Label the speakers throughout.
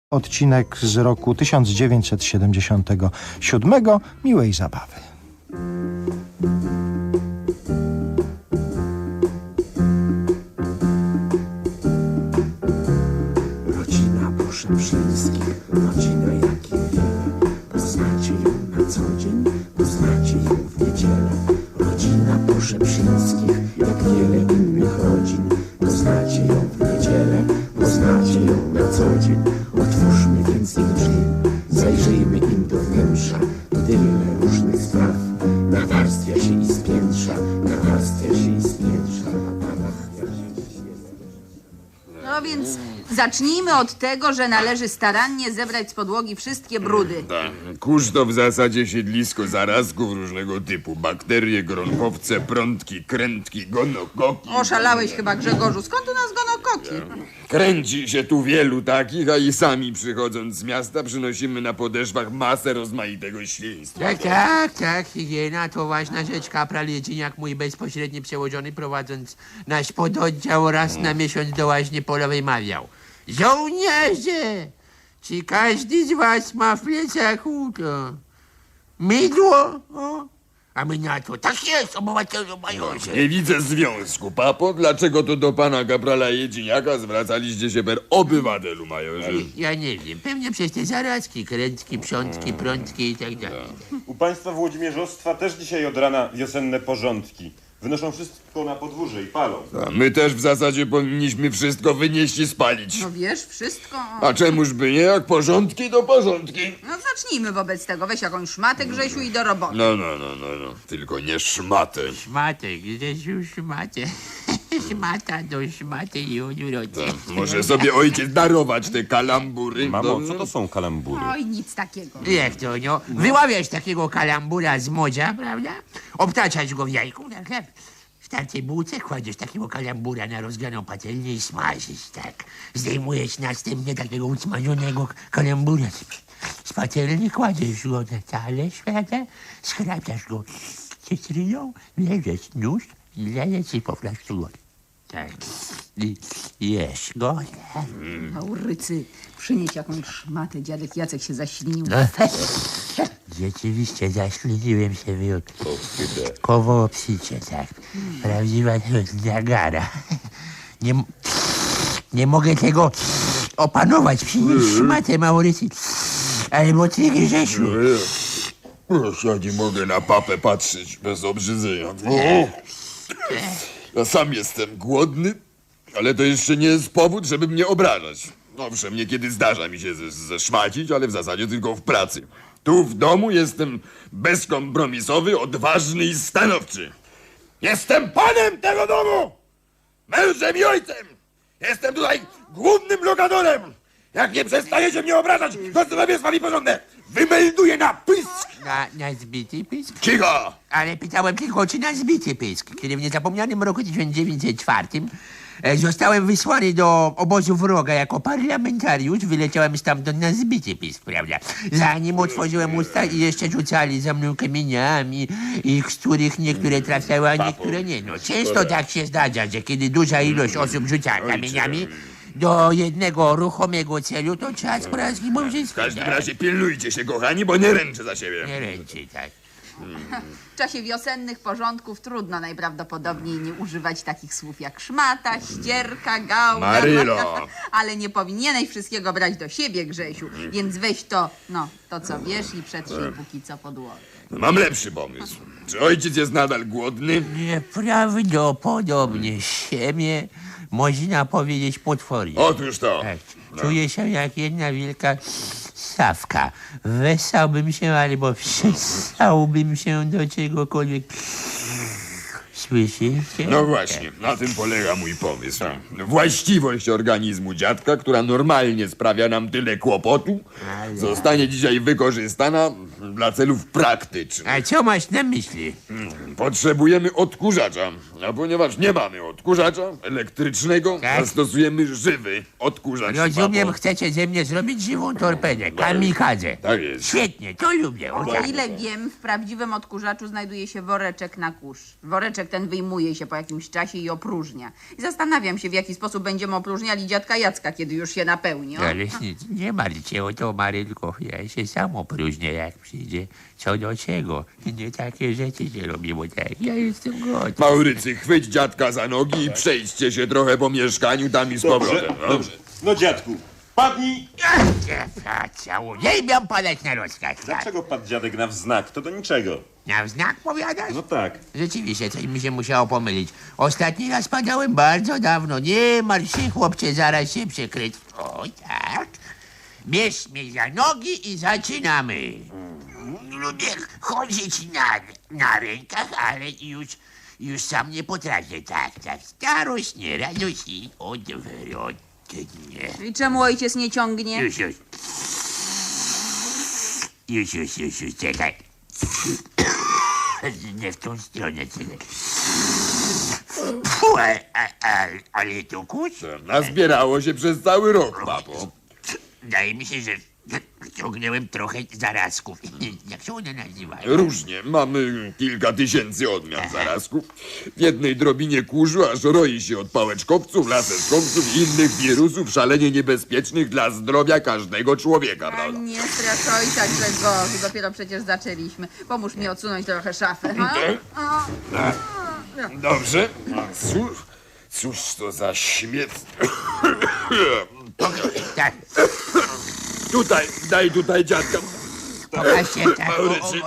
Speaker 1: Odcinek z roku 1977. Miłej zabawy.
Speaker 2: Rodzina Poszeprzyńskich, rodzina jakich wiele. Poznacie ją na co dzień, poznacie ją w niedzielę. Rodzina Poszeprzyńskich, jak wiele innych rodzin. Poznacie ją w niedzielę, poznacie ją na co dzień. Otwórzmy więc ich drzwi, zajrzyjmy im do wnętrza. Tyle różnych spraw nawarstwia się i spiętrza, nawarstwia się i spiętrza, nawarstwia się i spiętrza.
Speaker 3: No więc zacznijmy od tego, że należy starannie zebrać z podłogi wszystkie brudy.
Speaker 4: Kurz to w zasadzie siedlisko zarazków różnego typu. Bakterie, gronkowce, prątki, krętki, gonokoki.
Speaker 3: Oszalałeś chyba, Grzegorzu. Skąd u nas gonokoki?
Speaker 4: Kręci się tu wielu takich, a i sami przychodząc z miasta przynosimy na podeszwach masę rozmaitego świństwa.
Speaker 5: Tak, higiena to ważna rzecz. Kapral Jedziniak, mój bezpośredni przełożony, prowadząc nasz pododdział raz na miesiąc do łaźni polowej mawiał: żołnierze, czy każdy z was ma w plecaku to mydło? O? A my na to: tak jest, obywatelu majorze.
Speaker 4: Nie widzę związku, papo. Dlaczego to do pana kaprala Jedziniaka zwracaliście się per obywatelu, majorze?
Speaker 5: Ja nie wiem, pewnie przez te zarazki, krętki, przątki, prątki i tak dalej.
Speaker 6: U państwa Włodzimierzostwa też dzisiaj od rana wiosenne porządki. Wynoszą wszystko na podwórze i palą.
Speaker 4: A my też w zasadzie powinniśmy wszystko wynieść i spalić.
Speaker 3: No wiesz, wszystko.
Speaker 4: A czemuż by nie? Jak porządki, to porządki.
Speaker 3: No zacznijmy wobec tego. Weź jakąś szmatę, Grzesiu, i do roboty.
Speaker 4: No. Tylko nie szmatę.
Speaker 5: Szmatek, Grzesiu, szmatę. Szmata do szmaty i odwrotnie.
Speaker 4: Może sobie ojciec darować te kalambury?
Speaker 7: Mamo, co to są kalambury?
Speaker 3: Oj, nic takiego.
Speaker 5: Jak to, no? Wyławiać takiego kalambura z morza, prawda? Obtaczać go w jajku, tak? W tartej bułce kładziesz takiego kalambura na rozgraną patelnię i smażysz, tak? Zdejmujesz następnie takiego usmażonego kalambura z patelni, kładziesz go na talerz, prawda? Schrapiasz go cytryną, leżesz nóż i lejesz i poflasz go. Tak. I jesz go, tak?
Speaker 3: Maurycy, przynieś jakąś szmatę. Dziadek Jacek się zaślinił.
Speaker 5: Rzeczywiście zaśliniłem się koło obsicie, tak. Prawdziwa Niagara. Nie mogę tego opanować. Przynieś szmatę, Maurycy. Albo ty, Grzesiu.
Speaker 4: Ja nie mogę na papę patrzeć bez obrzydzenia. Ja sam jestem głodny, ale to jeszcze nie jest powód, żeby mnie obrażać. Owszem, niekiedy zdarza mi się zeszmacić, ale w zasadzie tylko w pracy. Tu w domu jestem bezkompromisowy, odważny i stanowczy. Jestem panem tego domu! Mężem i ojcem! Jestem tutaj głównym lokatorem! Jak nie przestajecie mnie obrażać, to zrobię z wami porządek! Wymelduję na pysk!
Speaker 5: Na zbity pysk?
Speaker 4: Cicho!
Speaker 5: Ale pytałem tylko, czy na zbity pysk, kiedy w niezapomnianym roku 1904 zostałem wysłany do obozu wroga jako parlamentariusz. Wyleciałem stamtąd na zbity pysk, prawda? Zanim otworzyłem usta i jeszcze rzucali za mną kamieniami, z których niektóre trafiały, a niektóre nie. No, często tak się zdarza, że kiedy duża ilość osób rzuca kamieniami do jednego ruchomego celu, to czas porażki może
Speaker 4: W każdym razie pilnujcie się, kochani, bo nie ręczę za siebie.
Speaker 5: nie ręczy, tak.
Speaker 3: W czasie wiosennych porządków trudno najprawdopodobniej nie używać takich słów jak szmata, ścierka, gałka.
Speaker 4: Marylo!
Speaker 3: Ale nie powinieneś wszystkiego brać do siebie, Grzesiu. Więc weź to, to co wiesz i przetrzyj póki co podłogę.
Speaker 4: Mam lepszy pomysł. Czy ojciec jest nadal głodny?
Speaker 5: Nieprawdopodobnie siebie można powiedzieć potwornie.
Speaker 4: Otóż to.
Speaker 5: Tak. Czuję się jak jedna wielka sawka. Wesałbym się albo przestałbym się do czegokolwiek. Słyszycie?
Speaker 4: No właśnie, na tym polega mój pomysł. Właściwość organizmu dziadka, która normalnie sprawia nam tyle kłopotu, zostanie dzisiaj wykorzystana dla celów praktycznych.
Speaker 5: A co masz na myśli?
Speaker 4: Potrzebujemy odkurzacza, a ponieważ nie mamy odkurzacza elektrycznego,
Speaker 5: Tak.
Speaker 4: zastosujemy żywy odkurzacz.
Speaker 5: Rozumiem,
Speaker 4: papo.
Speaker 5: chcecie ze mnie zrobić żywą torpedę, kamikadze.
Speaker 4: Tak jest.
Speaker 5: Świetnie, to lubię.
Speaker 3: O ile wiem, w prawdziwym odkurzaczu znajduje się woreczek na kurz. Woreczek ten ten wyjmuje się po jakimś czasie i opróżnia. I zastanawiam się, w jaki sposób będziemy opróżniali dziadka Jacka, kiedy już się napełni. O?
Speaker 5: Ale nie martw się o to, Marylko. Ja się sam opróżnię, jak przyjdzie. Co do czego? Nie takie rzeczy się robi, bo tak, ja jestem gotów.
Speaker 4: Maurycy, chwyć dziadka za nogi i przejdźcie się trochę po mieszkaniu tam i z powrotem.
Speaker 6: Dobrze. No dziadku, padnij!
Speaker 5: Nie miał padać na rozkaz.
Speaker 6: Dlaczego padł dziadek na wznak? To do niczego.
Speaker 5: Na znak powiadasz?
Speaker 6: No tak.
Speaker 5: Rzeczywiście, coś mi się musiało pomylić. Ostatni raz padałem bardzo dawno. Nie martw się, chłopcze, zaraz się przykryć. O, tak. Bierz mnie za nogi i zaczynamy. Lubię chodzić na rękach, ale już sam nie potrafię. Tak. Starość, nie radość i odwrotnie.
Speaker 3: I czemu ojciec nie ciągnie?
Speaker 5: Już, czekaj. Nie w tą stronę, czekaj. Ale to kurz?
Speaker 4: Nazbierało się przez cały rok, papo.
Speaker 5: Wydaje mi się, że ciągnęłem trochę zarazków. Jak się one nazywają?
Speaker 4: Różnie. Mamy kilka tysięcy odmian zarazków. W jednej drobinie kurzu aż roi się od pałeczkowców, laseczkowców i innych wirusów szalenie niebezpiecznych dla zdrowia każdego człowieka,
Speaker 3: A
Speaker 4: prawda?
Speaker 3: nie strasz ojca, Grzegorzu, dopiero przecież zaczęliśmy. Pomóż mi odsunąć trochę szafę. Ha?
Speaker 4: Dobrze. Cóż to za śmiec...
Speaker 5: Tak,
Speaker 4: Daj tutaj dziadka.
Speaker 5: pokażcie tak.
Speaker 4: Maurycy.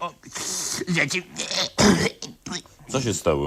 Speaker 6: Co się stało?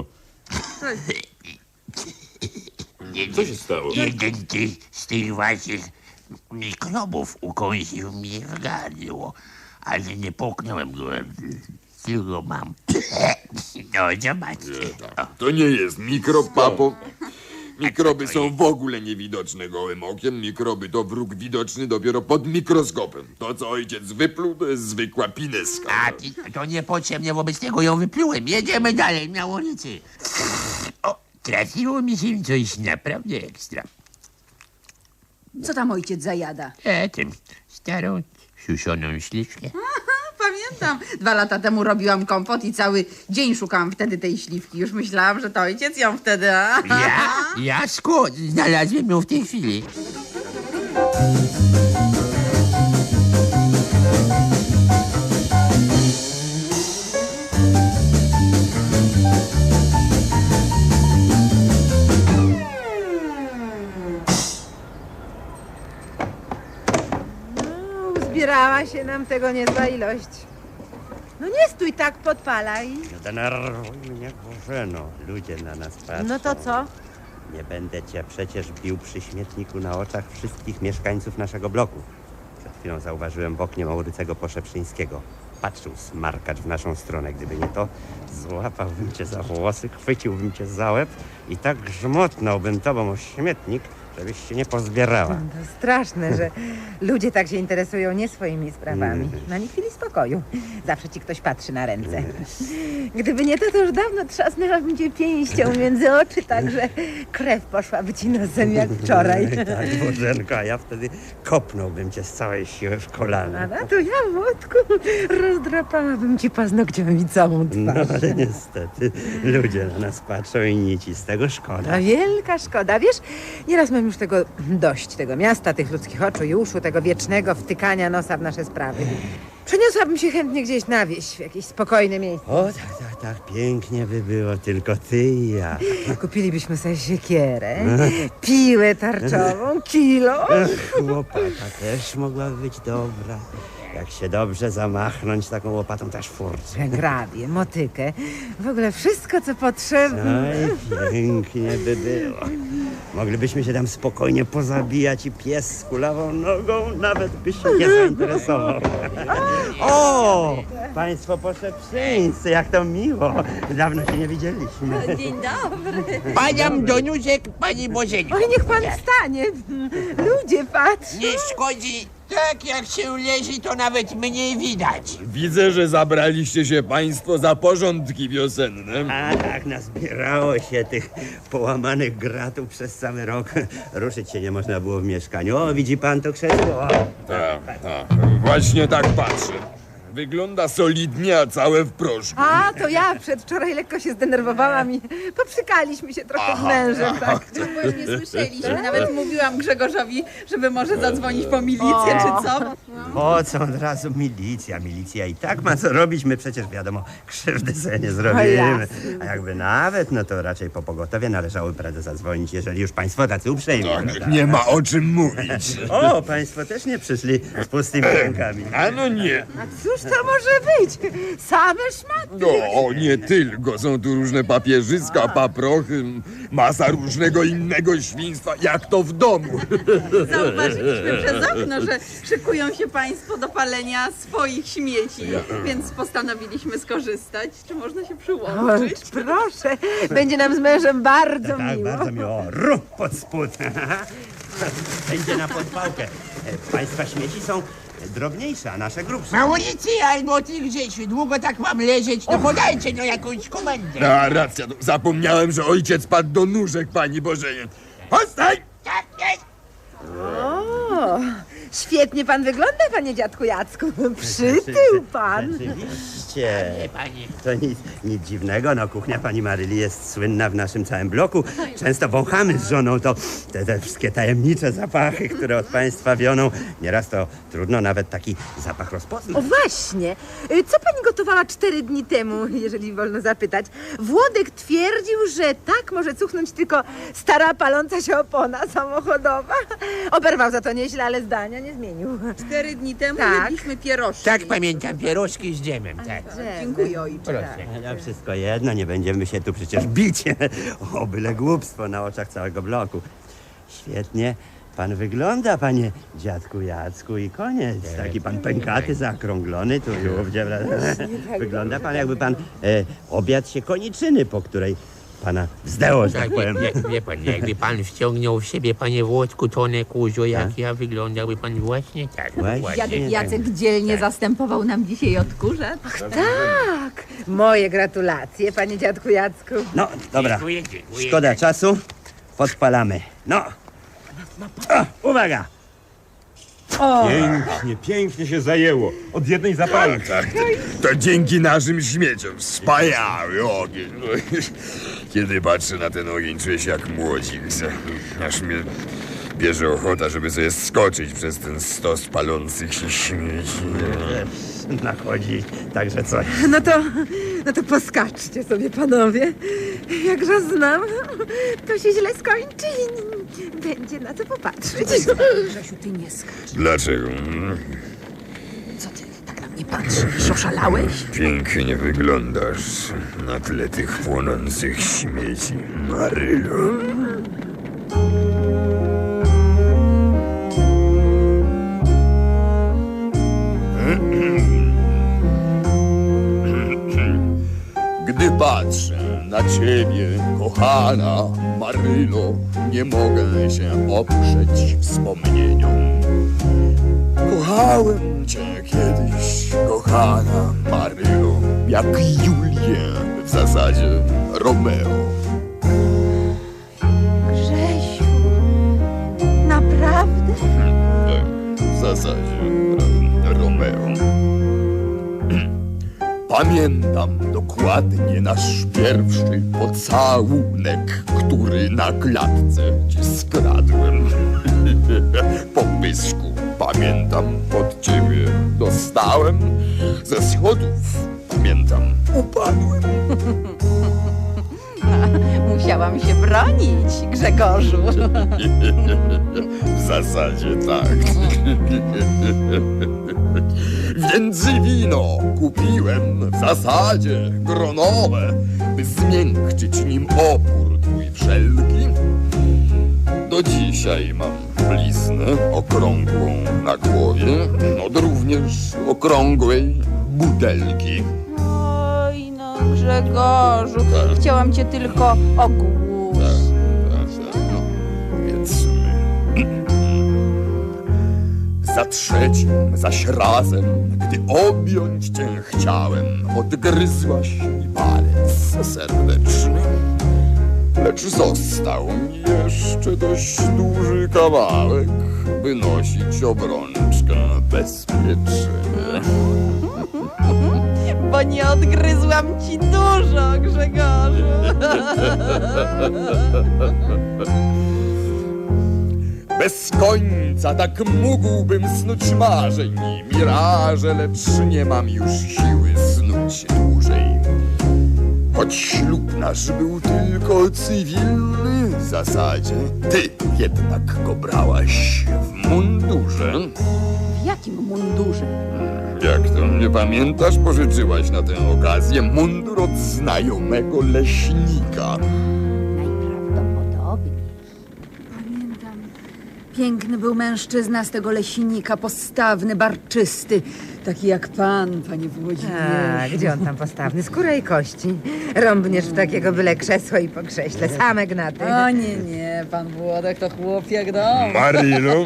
Speaker 6: Co się stało?
Speaker 5: Jeden z tych waszych mikrobów ukąsił mnie w gardło, ale nie połknąłem go. Tylko mam. No, zobaczcie.
Speaker 4: To nie jest mikrob, papo. Mikroby są w ogóle niewidoczne gołym okiem. Mikroby to wróg widoczny dopiero pod mikroskopem. To, co ojciec wypluł, to jest zwykła pineska.
Speaker 5: To niepotrzebnie, wobec tego ją wyplułem. Jedziemy dalej na ulicy. O, trafiło mi się coś naprawdę ekstra.
Speaker 3: Co tam ojciec zajada?
Speaker 5: Tym starą, suszoną śliwkę.
Speaker 3: Pamiętam, 2 lata temu robiłam kompot i cały dzień szukałam wtedy tej śliwki. Już myślałam, że to ojciec ją wtedy...
Speaker 5: Ja skąd? Znalazłem ją w tej chwili.
Speaker 7: Zbierała się nam tego niezła ilość. No nie stój tak, podpalaj.
Speaker 8: Nie denerwuj mnie, Bożeno. Ludzie na nas patrzą.
Speaker 7: No to co?
Speaker 8: Nie będę cię przecież bił przy śmietniku na oczach wszystkich mieszkańców naszego bloku. Przed chwilą zauważyłem w oknie Maurycego Poszeprzyńskiego. Patrzył smarkacz w naszą stronę. Gdyby nie to, złapałbym cię za włosy, chwyciłbym cię za łeb i tak grzmotnąłbym tobą o śmietnik, żebyś się nie pozbierała.
Speaker 7: To straszne, że ludzie tak się interesują nie swoimi sprawami. Na nie chwili spokoju. Zawsze ci ktoś patrzy na ręce. Gdyby nie to już dawno trzasnęłabym cię pięścią między oczy, tak że krew poszłaby ci nosem jak wczoraj.
Speaker 8: Tak, Bożenko, a ja wtedy kopnąłbym cię z całej siły w kolano.
Speaker 7: A na to ja, Włodku, rozdrapałabym ci paznokciami całą
Speaker 8: No
Speaker 7: twarz.
Speaker 8: ale niestety ludzie na nas patrzą i nic i z tego szkoda.
Speaker 7: A wielka szkoda. Wiesz, nieraz mam już tego dość, tego miasta, tych ludzkich oczu i uszu, tego wiecznego wtykania nosa w nasze sprawy. Przeniosłabym się chętnie gdzieś na wieś, w jakieś spokojne miejsce.
Speaker 8: O, tak, pięknie by było, tylko ty i ja.
Speaker 7: Kupilibyśmy sobie siekierę, piłę tarczową, kilo.
Speaker 8: Łopata też mogłaby być dobra. Jak się dobrze zamachnąć taką łopatą, też furcę.
Speaker 7: Grabie, motykę, w ogóle wszystko, co potrzebne.
Speaker 8: Oj, pięknie by było. Moglibyśmy się tam spokojnie pozabijać i pies z kulawą nogą nawet by się nie zainteresował. O! Państwo Poszeprzyńscy, jak to miło. Dawno się nie widzieliśmy.
Speaker 7: Dzień dobry.
Speaker 5: Paniam Doniuszek, pani Bożenko.
Speaker 7: Oj, niech pan wstanie. Ludzie patrzą.
Speaker 5: Nie szkodzi. Tak jak się leży, to nawet mniej widać.
Speaker 4: Widzę, że zabraliście się państwo za porządki wiosenne.
Speaker 8: A tak, nazbierało się tych połamanych gratów przez cały rok. Ruszyć się nie można było w mieszkaniu. O, widzi pan to krzesło?
Speaker 4: Tak. Właśnie tak patrzę. Wygląda solidnie, a całe w proszku.
Speaker 7: A, to ja przedwczoraj lekko się zdenerwowałam i poprzykaliśmy się trochę z mężem, tak.
Speaker 3: Właśnie słyszeliśmy. Nawet mówiłam Grzegorzowi, żeby może zadzwonić po milicję, czy co.
Speaker 8: Po co od razu milicja? Milicja i tak ma co robić, my przecież wiadomo, krzywdy sobie nie zrobimy.
Speaker 7: jasne.
Speaker 8: A jakby nawet, no to raczej po pogotowie należało prędzej zadzwonić, jeżeli już państwo tacy uprzejmi. prawda?
Speaker 4: Nie ma o czym mówić.
Speaker 8: O, państwo też nie przyszli z pustymi rękami.
Speaker 4: A no nie.
Speaker 7: A cóż to może być? Same szmaty.
Speaker 4: No, nie tylko. Są tu różne papierzyska, paprochy, masa różnego innego świństwa, jak to w domu.
Speaker 3: Zauważyliśmy przez okno, że szykują się państwo do palenia swoich śmieci, więc postanowiliśmy skorzystać. Czy można się
Speaker 7: O,
Speaker 3: przyłączyć?
Speaker 7: proszę, będzie nam z mężem bardzo
Speaker 8: Tak,
Speaker 7: miło.
Speaker 8: bardzo miło. Ruch pod spód. Będzie na podpałkę. Państwa śmieci są drobniejsze, a nasze grubsze.
Speaker 5: Mauricy albo ty, Grzesiu, długo tak mam leżeć, no podajcie no jakąś komendę.
Speaker 4: A racja, no, zapomniałem, że ojciec padł do nóżek pani Bożenie. Postaj!
Speaker 5: Tak jest.
Speaker 7: O, świetnie pan wygląda, panie dziadku Jacku. Przytył pan.
Speaker 8: Rzeczywiście.
Speaker 5: Nie, panie.
Speaker 8: To nic dziwnego, no kuchnia pani Maryli jest słynna w naszym całym bloku. Często wąchamy z żoną te wszystkie tajemnicze zapachy, które od państwa wioną. Nieraz to trudno nawet taki zapach
Speaker 7: O
Speaker 8: rozpoznać.
Speaker 7: właśnie, co pani gotowała 4 dni temu, jeżeli wolno zapytać? Włodek twierdził, że tak może cuchnąć tylko stara paląca się opona samochodowa. Oberwał za to nieźle, ale zdania nie zmienił.
Speaker 3: 4 dni temu
Speaker 7: Tak.
Speaker 3: jedliśmy pierożki.
Speaker 5: Tak pamiętam, pierożki z dżemem, tak.
Speaker 3: Dziękuję, ojcze.
Speaker 5: Proszę.
Speaker 8: Ale wszystko jedno, nie będziemy się tu przecież bić o byle głupstwo na oczach całego bloku. Świetnie pan wygląda, panie dziadku Jacku, i koniec. Taki pan pękaty, zaokrąglony, tu wygląda pan, jakby pan obiad się koniczyny, po której pana zdęło, że tak
Speaker 5: Tak,
Speaker 8: powiem.
Speaker 5: wie pan, jakby pan wciągnął w siebie, panie Włodku, tonę kurzu, jak ja wyglądałby pan właśnie tak.
Speaker 8: Właśnie.
Speaker 3: Dziadek Jacek dzielnie zastępował nam dzisiaj odkurzacz.
Speaker 7: Tak, moje gratulacje, panie dziadku Jacku.
Speaker 8: No, dobra,
Speaker 5: Dziękuję, dziękuję.
Speaker 8: szkoda czasu, podpalamy. No, o, uwaga!
Speaker 6: Pięknie, pięknie się zajęło. Od jednej zapalki.
Speaker 4: Tak, to dzięki naszym śmieciom. Wspaniały ogień. Kiedy patrzę na ten ogień, czuję się jak młodzik. Aż mnie bierze ochota, żeby sobie skoczyć przez ten stos palących się śmieci.
Speaker 8: Nachodzi także coś.
Speaker 7: No to poskaczcie sobie, panowie. Jakże znam, to się źle skończy i będzie na co popatrzeć.
Speaker 3: Grzesiu, ty nie skacz.
Speaker 4: Dlaczego?
Speaker 3: Co ty tak na mnie patrzysz? Oszalałeś?
Speaker 4: Pięknie wyglądasz na tle tych płonących śmieci, Marylo. Gdy patrzę na ciebie, kochana Marylo, nie mogę się oprzeć wspomnieniom. Kochałem cię kiedyś, kochana Marylo, jak Julię, w zasadzie Romeo.
Speaker 7: Grzesiu, naprawdę?
Speaker 4: W zasadzie Romeo. Pamiętam dokładnie nasz pierwszy pocałunek, który na klatce ci skradłem. Po pysku, pamiętam, od ciebie dostałem. Ze schodów, pamiętam, upadłem.
Speaker 3: Musiałam się bronić, Grzegorzu.
Speaker 4: W zasadzie tak. Więc wino kupiłem w zasadzie gronowe, by zmiękczyć nim opór twój wszelki. Do dzisiaj mam bliznę okrągłą na głowie, od również okrągłej butelki.
Speaker 3: Oj, no Grzegorzu,
Speaker 4: Tak.
Speaker 3: chciałam cię tylko ogłusić.
Speaker 4: No, powiedzmy. Za trzecim zaś razem, gdy objąć cię chciałem, odgryzłaś mi palec serdeczny. Lecz został mi jeszcze dość duży kawałek, by nosić obrączkę bezpiecznie.
Speaker 3: bo nie odgryzłam ci dużo, Grzegorzu.
Speaker 4: Bez końca tak mógłbym snuć marzeń, miraże, lecz nie mam już siły snuć dłużej. Choć ślub nasz był tylko cywilny w zasadzie, ty jednak go brałaś w mundurze.
Speaker 3: W jakim mundurze?
Speaker 4: Jak to, nie pamiętasz? Pożyczyłaś na tę okazję mundur od znajomego leśnika.
Speaker 3: Najprawdopodobniej. Pamiętam. Piękny był mężczyzna z tego leśnika, postawny, barczysty. Taki jak pan, panie Włodzimierzu.
Speaker 7: A, gdzie on tam postawny? Skóra i kości. Rąbniesz w takiego byle krzesło i po krześle. Same gnaty.
Speaker 3: O nie, pan Włodek to chłop jak dom.
Speaker 4: Marylo.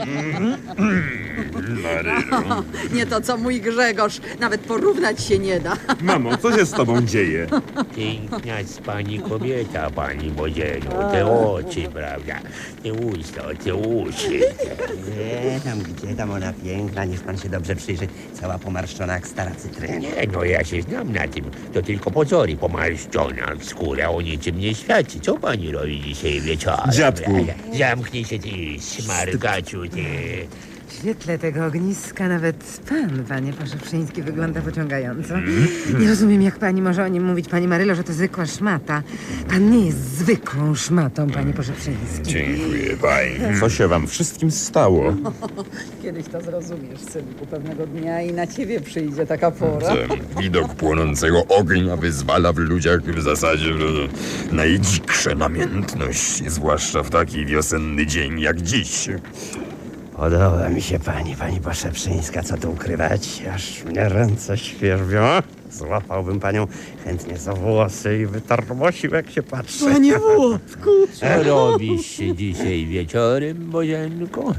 Speaker 4: Marylo.
Speaker 3: Nie to co mój Grzegorz, nawet porównać się nie da.
Speaker 6: Mamo, co się z tobą dzieje?
Speaker 5: Piękna jest pani kobieta, pani Bodzieniu. Te oczy, prawda? Te usta, te uszy.
Speaker 8: Gdzie tam ona piękna, niech pan się dobrze przyjrzy. Cała pomarszczona jak stara cytryna.
Speaker 5: Nie, no ja się znam na tym. To tylko pozory pomarszczona. Skóra o niczym nie świadczy. Co pani robi dzisiaj wieczorem?
Speaker 6: Dziadku.
Speaker 5: Zamknij się ty, smarkaczu, ty.
Speaker 7: W świetle tego ogniska nawet pan, panie Poszewszyński, wygląda pociągająco. Nie rozumiem, jak pani może o nim mówić, pani Marylo, że to zwykła szmata. Pan nie jest zwykłą szmatą, panie Poszewszyński.
Speaker 4: Dziękuję pani.
Speaker 6: Co się wam wszystkim stało?
Speaker 3: Kiedyś to zrozumiesz, synku, pewnego dnia i na ciebie przyjdzie taka pora.
Speaker 4: Widok płonącego ognia wyzwala w ludziach w zasadzie najdziksze namiętności, zwłaszcza w taki wiosenny dzień jak dziś.
Speaker 8: Podoba mi się pani Poszewszyńska, co tu ukrywać, aż mnie ręce świerbią. Złapałbym panią chętnie za włosy i wytarmosił, jak się patrzy.
Speaker 3: Panie Włodku!
Speaker 5: Co robisz dzisiaj wieczorem, Bożenko?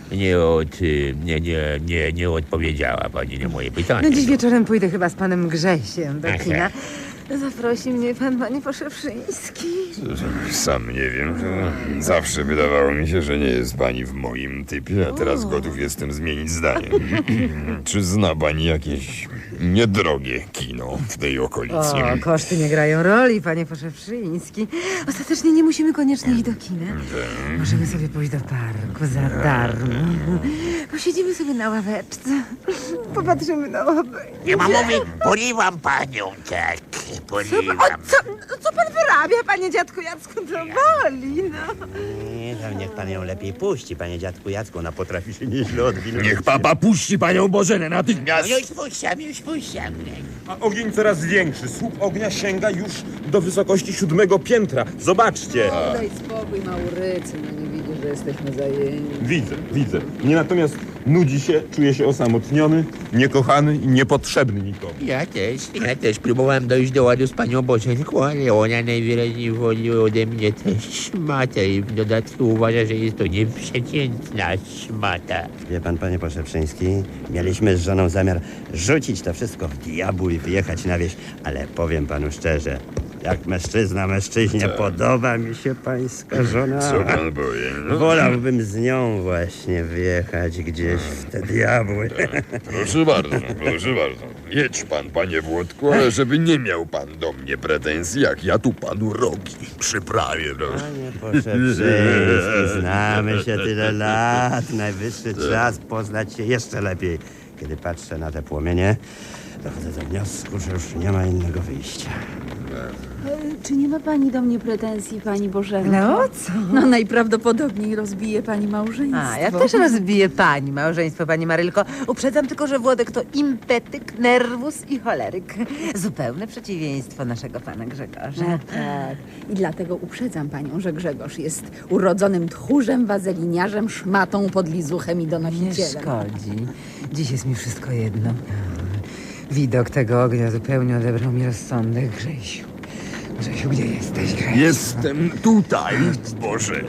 Speaker 5: Nie odpowiedziała pani na moje pytanie.
Speaker 7: No dziś wieczorem pójdę chyba z panem Grzesiem do
Speaker 5: Aha.
Speaker 7: kina. Zaprosi mnie pan, panie Poszewszyński.
Speaker 4: Sam nie wiem. Zawsze wydawało mi się, że nie jest pani w moim typie, a teraz gotów jestem zmienić zdanie. Czy zna pani jakieś niedrogie kino w tej okolicy?
Speaker 7: O, koszty nie grają roli, panie Poszewszyński. Ostatecznie nie musimy koniecznie iść do kina. Możemy sobie pójść do parku za darmo. Posiedzimy sobie na ławeczce. Popatrzymy na ławę.
Speaker 5: Nie ma mowy, porywam panią, tak, porywam.
Speaker 7: Co pan wyrabia, panie dziadku Jacku? To boli, no.
Speaker 8: Nie, tam niech pan ją lepiej puści, panie dziadku Jacku, ona potrafi się nieźle odwinąć.
Speaker 4: Niech papa puści panią Bożenę natychmiast!
Speaker 5: Już puszczam.
Speaker 6: A ogień coraz większy. Słup ognia sięga już do wysokości 7. piętra. Zobaczcie.
Speaker 3: Daj spokój, Maurycy, no nie widzisz, że jesteśmy zajęci.
Speaker 6: Widzę. Mnie natomiast nudzi się, czuję się osamotniony, niekochany i niepotrzebny nikomu.
Speaker 5: Ja też próbowałem dojść do ładu z panią Bożenką, ale ona najwyraźniej woli ode mnie też szmatę i w dodatku uważa, że jest to nieprzeciętna szmata.
Speaker 8: Wie pan, panie Poszewszyński, mieliśmy z żoną zamiar rzucić to wszystko w diabł i wyjechać na wieś, ale powiem panu szczerze, jak mężczyzna mężczyźnie, podoba mi się pańska żona.
Speaker 4: Co pan powie? No?
Speaker 8: Wolałbym z nią właśnie wyjechać gdzieś w te diabły.
Speaker 4: Proszę bardzo. Jedź pan, panie Włodku, ale żeby nie miał pan do mnie pretensji, jak ja tu panu rogi przyprawię, proszę.
Speaker 8: Panie Poszewszyński, znamy się tyle lat. Najwyższy czas poznać się jeszcze lepiej. Kiedy patrzę na te płomienie, dochodzę do wniosku, że już nie ma innego wyjścia.
Speaker 3: Czy nie ma pani do mnie pretensji, pani Bożenko?
Speaker 7: No co?
Speaker 3: No najprawdopodobniej rozbije pani małżeństwo.
Speaker 7: A, ja też rozbiję pani małżeństwo, pani Marylko. Uprzedzam tylko, że Włodek to impetyk, nerwus i choleryk. Zupełne przeciwieństwo naszego pana Grzegorza.
Speaker 3: No tak. I dlatego uprzedzam panią, że Grzegorz jest urodzonym tchórzem, wazeliniarzem, szmatą, podlizuchem i
Speaker 7: Nie
Speaker 3: donosicielem.
Speaker 7: szkodzi. Dziś jest mi wszystko jedno. Widok tego ognia zupełnie odebrał mi rozsądek, Grzesiu. Grzesiu, gdzie jesteś, Grzesiu?
Speaker 4: Jestem tutaj, Boże.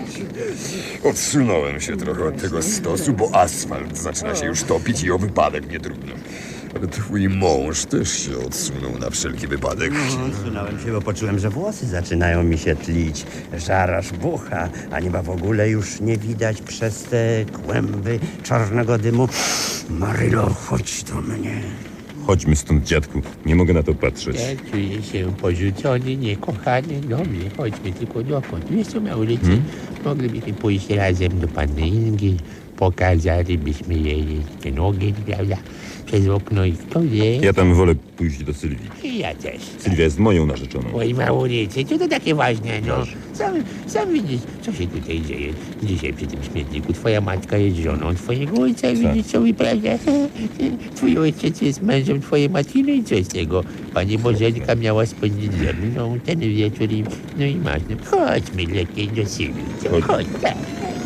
Speaker 4: Odsunąłem się trochę od tego stosu, bo asfalt zaczyna się już topić i o wypadek nie trudno. Ale twój mąż też się odsunął na wszelki wypadek.
Speaker 8: Odsunąłem się, bo poczułem, że włosy zaczynają mi się tlić. Żaraż bucha, a nieba w ogóle już nie widać przez te kłęby czarnego dymu. Marylo, chodź do mnie.
Speaker 9: Chodźmy stąd, dziadku. Nie mogę na to patrzeć.
Speaker 5: Ja czuję się porzucony, niekochany. Dobrze, chodźmy tylko dokąd. Wiesz co, Maurycy, moglibyśmy pójść razem do panny Ingi, pokazalibyśmy jej ten ogień, prawda, przez okno i kto wie.
Speaker 9: Ja tam wolę pójść do Sylwii.
Speaker 5: I ja też.
Speaker 9: Sylwia jest moją narzeczoną.
Speaker 5: Oj, Maurycy, co to takie ważne, no? Sam widzisz, co się tutaj dzieje. Dzisiaj przy tym śmietniku twoja matka jest żoną twojego ojca, widzisz, co wyprawia? Twój ojciec jest mężem twojej matki, no i co z tego? Pani Bożenka miała spędzić ze mną ten wieczór i, no i masz, no, chodźmy lepiej do Sylwii, chodź, tak.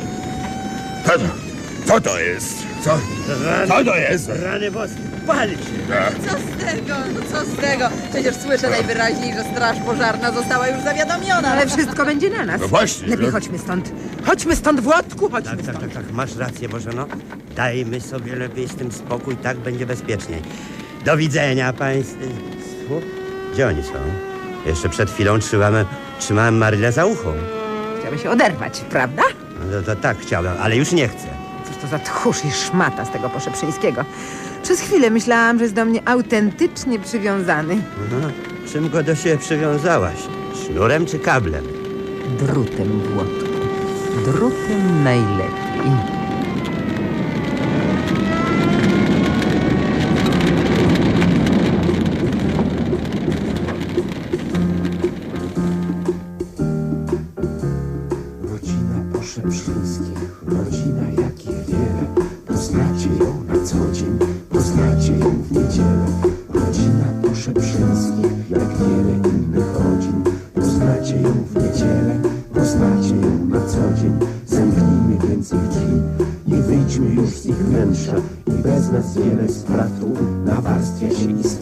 Speaker 4: Co to jest? Co to jest?
Speaker 8: Rany boskie, pal się!
Speaker 3: Co z tego? No co z tego? Przecież słyszę najwyraźniej, że straż pożarna została już zawiadomiona.
Speaker 7: Ale wszystko będzie na nas.
Speaker 4: No właśnie.
Speaker 7: Lepiej
Speaker 4: no.
Speaker 7: chodźmy stąd. Chodźmy stąd, Włodku, chodźmy
Speaker 8: Tak,
Speaker 7: stąd.
Speaker 8: tak, masz rację, Bożeno. Dajmy sobie lepiej z tym spokój, tak będzie bezpieczniej. Do widzenia państwu. Gdzie oni są? Jeszcze przed chwilą trzymałem Marylę za ucho.
Speaker 7: Chciałby się oderwać, prawda?
Speaker 8: No to tak chciałem, ale już nie chcę.
Speaker 7: Cóż to za tchórz i szmata z tego Poszeprzyńskiego. Przez chwilę myślałam, że jest do mnie autentycznie przywiązany.
Speaker 8: Aha. Czym go do siebie przywiązałaś? Sznurem czy kablem?
Speaker 7: Drutem, Włodku. Drutem najlepiej.
Speaker 2: Rodzina Poszeprzyńskich, rodzina jakich wiele. Poznacie ją na co dzień, poznacie ją w niedzielę. Rodzina Poszeprzyńskich, jak wiele innych rodzin. Poznacie ją w niedzielę, poznacie ją na co dzień. Zamknijmy więc ich drzwi i wyjdźmy już z ich wnętrza. I bez nas wiele spraw tu nawarstwia się i